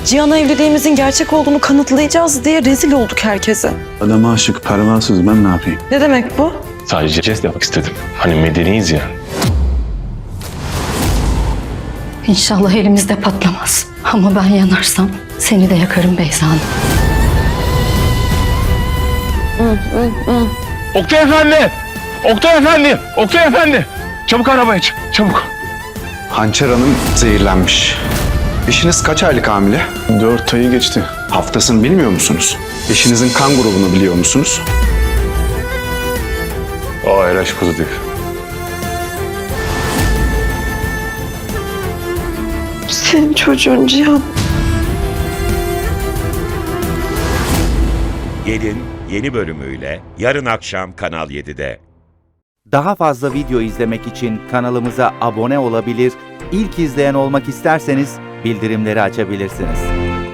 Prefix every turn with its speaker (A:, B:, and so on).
A: Cihan'a evliliğimizin gerçek olduğunu kanıtlayacağız diye rezil olduk herkese.
B: Adama aşık, pervasız, ben ne yapayım?
A: Ne demek bu?
C: Sadece jest yapmak istedim. Hani medeniyiz ya.
D: İnşallah elimizde patlamaz. Ama ben yanarsam seni de yakarım Beyza Hanım.
C: Oktay Efendi! Oktay Efendi! Oktay Efendi! Çabuk arabaya çık, çabuk.
E: Hançer Hanım zehirlenmiş. Eşiniz kaç aylık hamile?
B: 4 ayı geçti.
E: Haftasını bilmiyor musunuz? Eşinizin kan grubunu biliyor musunuz?
C: O RH pozitif.
A: Senin çocuğun Cihan.
F: Gelin yeni bölümüyle yarın akşam Kanal 7'de.
G: Daha fazla video izlemek için kanalımıza abone olabilir, ilk izleyen olmak isterseniz bildirimleri açabilirsiniz.